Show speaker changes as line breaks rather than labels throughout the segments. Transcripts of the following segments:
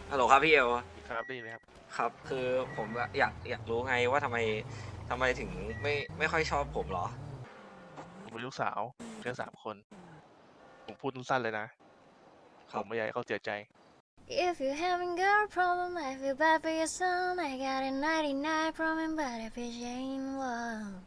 ฮัลโหลครับพี่เอล
ครับได้ยินไหมครับ
ครับคือผมอยากรู้ไงว่าทำไมถึงไม่ค่อยชอบผมเหรอ
ผมมีลูกสาวแค่3 คนผมพูดสั้นๆเลยนะ
ครับ
ผมไม่อยากให้เขาเสียใจ
If you having girl problem, I feel bad for your son. I got a 99 problem, but if it ain't one.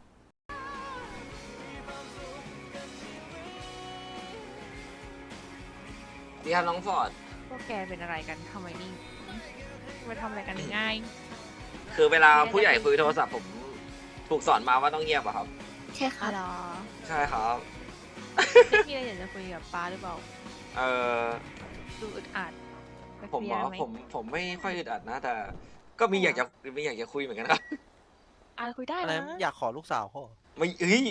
ดีครับน้องฟอร์ด
พวกแกเป็นอะไรกันทำไมนี่มาทำอะไรกันง่าย
คือเวลาผู้ใหญ่คุยโทรศัพท์ผมถูกสอนมาว่าต้องเงียบอะครับ
ใช่ค่ะ
อ๋อเหรอ
ใช่ครับ
ไม่มีอะไรอยากจะคุยกับป้าหรือเปล่า
เออ
ดูอึดอัดไป
ผม
เคลี
เหร
ย
อ
ร์ไหม
ผมไม่ค่อยอึดอัดนะแต่ก็มีอยากจะคุยเหมือนกันครับ
คุยได้
อะไร
นะ
อยากขอลูกสาวเขาเหรอ
ไม่เอ้ย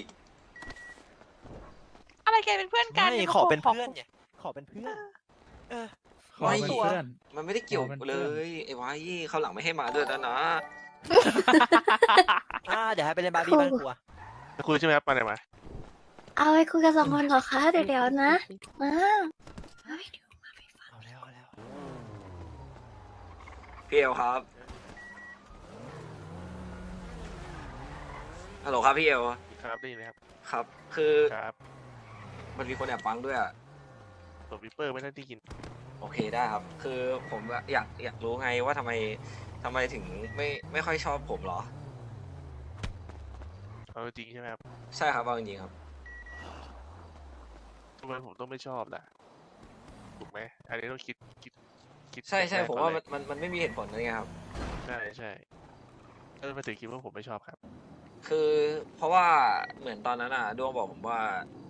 อะไรแกเป็นเพื่อนกัน
ไม่
ดี๋ยว
ขอเป็น
ขอ
เพื่อนไงขอเป็นเพื่อนเออ
ขอเป็น
ตัว
เพื่อน
มันไม่ได้เกี่ยว
ขอเป็นเพื่
เล
อน
ยไอ้วายเขาวหลังไม่ให้มาด้วยแล้วนะ
เดี๋ยวให้ไปเล่นบาร์บี้บ้านครัว
จะคุยใช่ไหมครับมาไหนมา
เอาไว้คุยกัน2 คนเหรอคะ เดี๋ยวๆนะมา
เอาแล้วเอาแล้ว
พี่เอลครับฮัลโหลครับพี่เอล
ครับได้ยินไหมครับ
ครับ คือ
ครับ
มันมีคนแอบฟังด้วยอะ
ตัววิปเปอร์ไม่ได้ที่กิน
โอเคได้ครับ คือผมอยากรู้ไงว่าทำไมถึงไม่ค่อยชอบผมเหรอ
เอาจริงใช่ไหมครับ
ใช่ครับเอาจริงๆครับ
ทำไมผมต้องไม่ชอบล่ะถูกไหมอันนี้ต้องคิด
ใช่
แรก
ผม
ก่อน
ว่า
เลย
มันไม่มีเหตุผลอะไรเงี้ยครับ
ใช่ก็มาถึงคิดว่าผมไม่ชอบครับ
คือเพราะว่าเหมือนตอนนั้นอ่ะดวงบอกผมว่า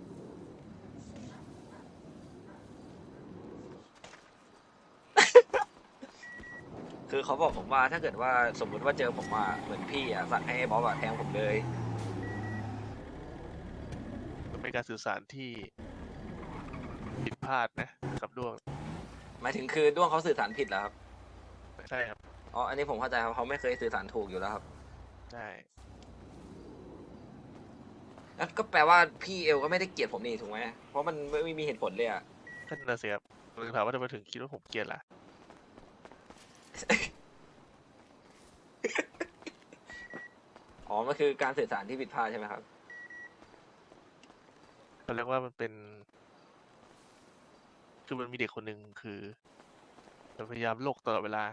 คือเขาบอกผมว่าถ้าเกิดว่าสมมุติว่าเจอผมอ่ะเหมือนพี่อ่ะสั่งให้บ๊อบอ่ะแทงผมเลย
มันเป็นการสื่อสารที่ผิดพลาดนะครับด้วง
หมายถึงคือด้วงเขาสื่อสารผิดแล้วครับ
ใช่ครับ
อ๋ออันนี้ผมเข้าใจครับเขาไม่เคยสื่อสารถูกอยู่แล้วครับ
ใช่
แล้วก็แปลว่าพี่เอลก็ไม่ได้เกลียดผมนี่ถูกไหมเพราะมันไม่มีเหตุผลเลยอ่ะ
ก็นั่นนะสิครับผมถามว่าทำไมถึงคิดว่าผมเกลียดล่ะ
อ๋อมันคือการสื่อสารที่ผิดพลาดใช่ไหมครับ
เขาเรียกว่ามันเป็น คือมันมีเด็กคนหนึ่งคือมันพยายามโลกตลอดเวลา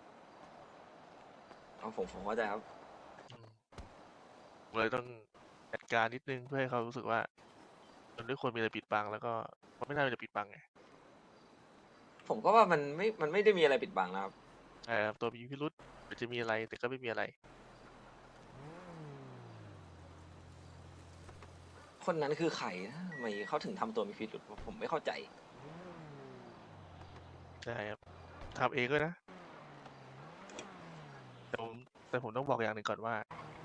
อ๋อผมเข้าใจครับ
อืมผมเลยต้องจัดการนิดนึงเพื่อให้เขารู้สึกว่ามันไม่ควรมีอะไรปิดบังแล้วก็มันไม่น่ามีอะไรปิดบังไง
ผมก็ว่ามันไม่ได้มีอะไรปิดบังนะครับ
ตัวมีพิรุษหรือจะมีอะไรแต่ก็ไม่มีอะไร
คนนั้นคือใครนะทำไมเขาถึงทำตัวมีพิรุษผมไม่เข้าใจ
ใช่ครับทำเองก็นะแต่ผมต้องบอกอย่างหนึ่งก่อนว่า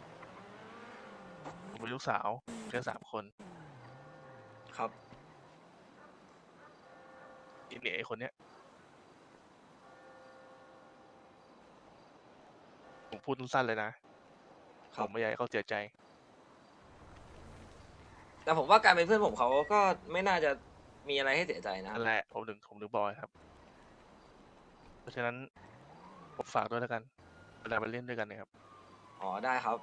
ผมมีลูกสาวแค่3 คน
ครับ
เนี่ยไอ้คนเนี้ยผมพูดสั้นๆเลยนะผมไม่อยากให้เขาเสียใจ
แต่ผมว่าการเป็นเพื่อนผมเขาก็ไม่น่าจะมีอะไรให้เสียใจนะครั
นั่
บ
นแหละผมถึงบอกไงครับ เพราะฉะนั้นผมฝากด้วยแล้วกันเวลามาเล่นด้วยกันเนะครับ
อ๋อได้ครับ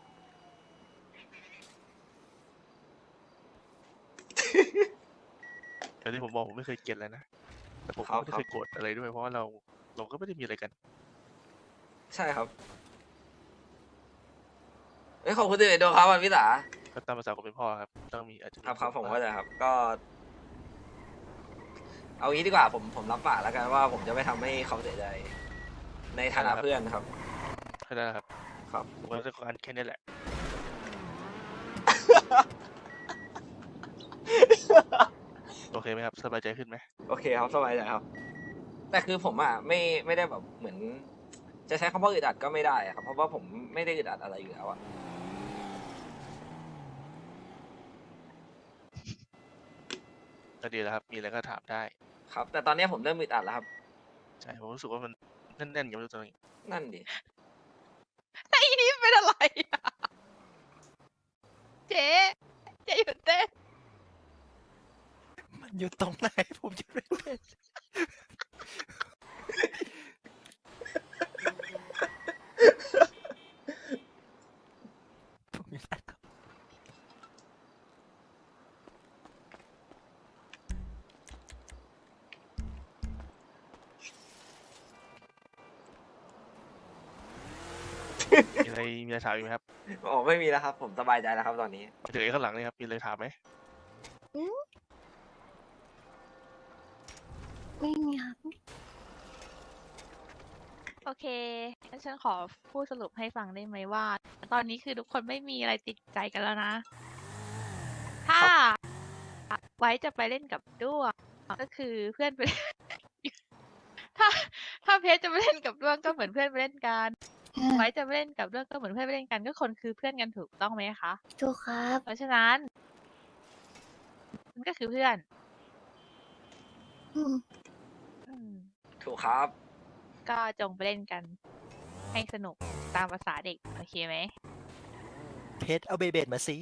แต่ที่ผมบอกผมไม่เคยเกลียดเลยนะแต่ผม
ครั
ก็
บ
ไม่ได้เคยโกรธอะไรด้วยเพราะว่าเราก็ไม่ได้มีอะไรกัน
ใช่ครับเอ้ยขอบคุณที่เลยดูครับวันพิสา
ก็ตามภาษาคนเป็นพ่อครับต้องมีอาจจะ
ครับผมเข้าใจครับ ก็ เอางี้ดีกว่าผมรับปากแล้วกันว่า ผมจะไม่ทำให้เขาเสียใจ ในฐานะเพื่อนครับ
เข้าใจแล้วครับ
ครับ
ผมก็จะการแค่นี้แหละ โอเคไหมครับสบายใจขึ้นไหม
โอเคครับสบายใจครับ แต่คือผมอ่ะไม่ได้แบบเหมือน จะใช้คำว่าอึดอัดก็ไม่ได้อะครับ เพราะว่าผมไม่ได้อึดอัดอะไรอยู่แล้วอ่ะ
ก็ดีแล้วครับมีอะไรก็ถามได้
ครับ แต่ตอนนี้ผมเริ่มอึดอัดแล้วครับ
ใช่ผมรู้สึกว่ามันแน่นๆอย่างไม่รู้ตัวเอง
นั่นดิ
ไอ้นี่เป็นอะไรอะเจ๊หยุดเต้น
มันอยู่ตรงไหนผมจะไม่เป็น
มีอะไรถามอีกไหมครับ
โอ้ไม่มีแล้วครับ ผมสบายใจแล้วครับตอนนี้
ไปถึงไอ้ข้างหลังนี่ครับมีอะไรถามไหม
ไม่มีครับ
โอเคงั้นฉันขอพูดสรุปให้ฟังได้ไหมว่า ตอนนี้คือทุกคนไม่มีอะไรติดใจกันแล้วนะ ถ้าไว้จะไปเล่นกับด้วงก็คือเพื่อนไป ถ้าถ้าเพชรจะไปเล่นกับด้วงก็เหมือนเพื่อนไปเล่นกัน ไว้จะไปเล่นกับด้วงก็เหมือนเพื่อนไปเล่นกันก็คนคือเพื่อนกันถูกต้องไหมคะ
ถูกครับ
เพราะฉะนั้นมันก็คือเพื่อน
อืม
อืม
ถูกครับ
ก็จงไปเล่นกัน ให้สนุกตามภาษาเด็ก โอเคไหม
เพชรเอาเบเบดมาสิ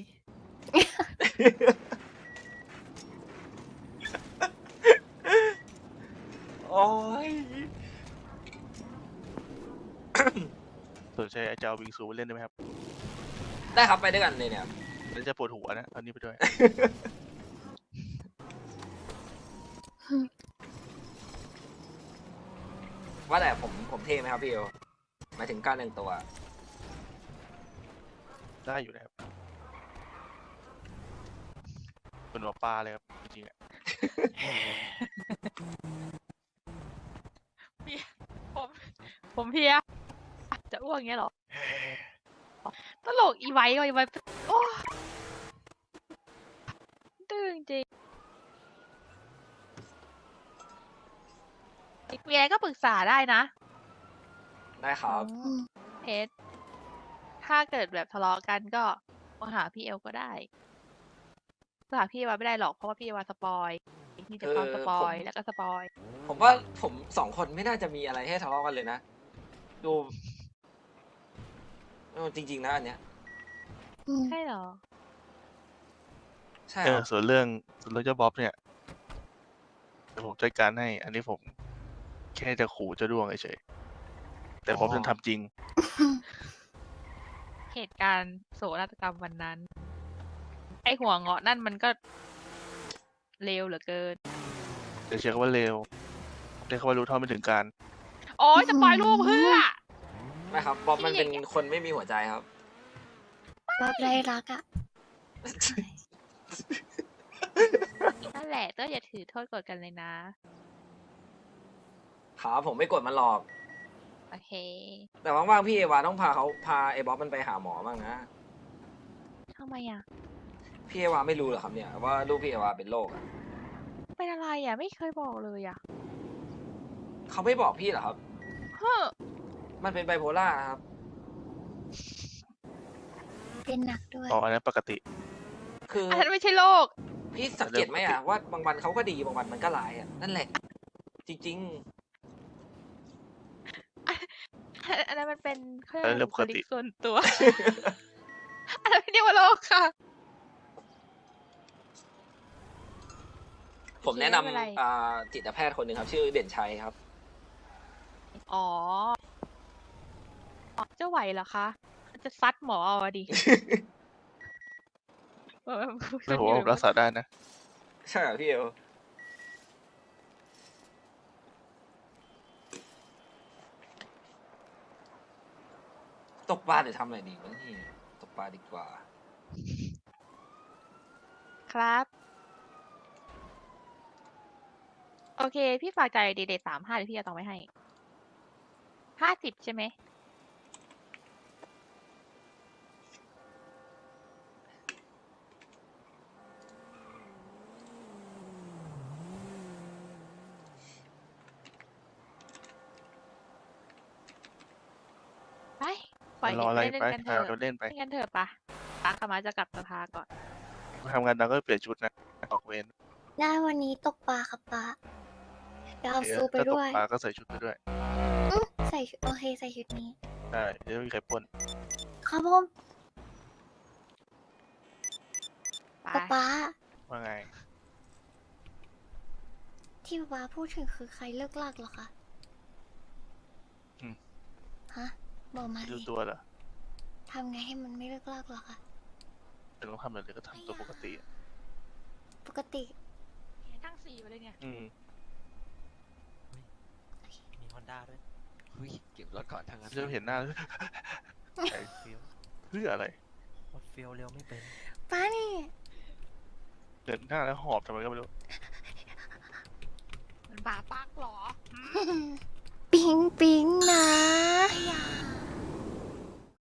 โอ้ย
สนใจจะเอาวิงซูไปเล่นได้ไหมครับ
ได้ครับไปด้วยกันเลยเนี่ย
แล้วจะปวดหัวนะเอานี้ไปด้วย
ว่าแต่ผมเท่ไหมครับพี่เอลหมายถึงการแต่งตัว
ได้อยู่นะครับเป็นหมอปลาเลยครับจริงๆอะ
ผมผมเพลียจะอ้วกอย่างเงี้ยเหรอ ตลกอีไว้ว่ะอีไว้โอ้ดื้อจริงๆมีอะไรก็ปรึกษาได้นะ
ได้ครับ
อืม
เพชรถ้าเกิดแบบทะเลาะกันก็มาหาพี่เอลก็ได้มาหาพี่เอวาไม่ได้หรอกเพราะว่าพี่เอวาสปอยมีแต่ความสปอยแล้วก็สปอย
ผมว่าผมสองคนไม่น่าจะมีอะไรให้ทะเลาะกันเลยนะ ดูจริงๆนะอันเนี้ย
อืม
ใช่เหรอ
ใช่
เอ
ค
อ
รับ
ส่วนเรื่องเจ้าบ๊อบเนี่ยเดี๋ยวผมจัดการให้ อันนี้ผมแค่จะขู่เจ้าดวงเฉยๆแต่บ๊อบจะทำจริง
เหตุการณ์โศกนาฏกรรมวันนั้น ไอหัวเงาะนั่นมันก็เลวเหลือเกิน
จะใช้คำว่าเลวใช้คำว่ารู้เท่าไม่ถึงการ
โอ้ยจะปล่อยลูกเพื่อ
ไม่ครับบ๊อบมันเป็น
ที่อย่างเงี้ย
คนไม่มีหัวใจครับ
บ๊อบไรรักอ่ะ
นั่นแหละก็อย่าถือโทษกดกันเลยนะ
ครับผมไม่กดมันหรอก
โอเค
แต่ว่างๆพี่เอวาต้องพาไอ้บ๊อบมันไปหาหมอบ้างนะ
ทำไมอ่ะ
พี่เอวาไม่รู้เหรอครับเนี่ยว่าลูกพี่เอวาเป็นโรคอะ
เป็นอะไรอ่ะ ไม่เคยบอกเลยอ่ะ
เขาไม่บอกพี่เหรอครับ
เฮ้อ
มันเป็นไบโพล่านะครับ
เป็นหนักด้วย
อ๋ออันนั้นปกติ
คือ
อันนั้นไม่ใช่โรค
พี่สังเกตไหมอะว่าบางวันเขาก็ดีบางวันมันก็ร้ายอะนั่นแหละ จริง
อันนั้นมันเป็นเขา
อันนั้น
เรียก
เรื่
ว่า
องปกติ
บุคลิกส่วนตัว อันนั้นไม่เรียกว่าโรคค่ะ
ๆ ผมแนะน
ไม่เป็นไร
ำจิตแพทย์คนหนึ่งครับ ชื่อเด่นชัยครับ
อ๋อ เจ้าไหวเหรอคะ จะซัดหมอเอาอะดิ
แล้วผมว่าผมรักษาได้นะ
ใช่เหรอพี่เอลตกปลาหรือทำอะไรดีวะนี่ตกปลาดีกว่า
ครับ โอเค พี่ฝากจ่ายเดท35เดี๋ยวพี่จะต้องไว้ให้50ใช่ไหม ไปปล่อย
รออะไร
เล่น
ไป
กันเถ
หา
อะ
เราเล่นไป
เล่นกันเถอะปะปาขมาจะกลับสภาก่อน
ทำงานดังก็เปลี่ยนชุดนะออกเวร
ได้วันนี้ตกปลาครับป้าเดี๋ยวเอา
เดี๋ยว
ซูไป
ถ้าต
ด้
ก
วย
ปลาก็ใส่ชุดไปด้วย
ใส่ชุดโอเคใส่ชุดนี้
ได้เดี๋ยวไม่มีใครปล้น
ครับผม
ไป
ป้า
ว่าไง
ที่ป้าพูดถึงคือใครเลิกลากเหรอคะ
อืม
ฮะบอกมา
ดู
สิ
ตัวเหรอ
ทำไงให้มันไม่เลิกลากเหรอคะ
เป็นต้องทำอะไรก็ทำตัวปกติอะ
ปกติ
ตั้ง4ไปเลยเนี่ย
อืม
มีฮอนด้าด้วย
เฮ้ยเก็บรถก่อนทางนั้น
จะเห็นหน้าไอ้เฟี้ยวเพื่ออะไร
หมดเฟียวเร็วไม่เป็น
ป้านี่
เดินหน้าแล้วหอบทำไมก็ไม่รู้
มันบาปักเหรอ
ปิ๊งปิ๊งนะ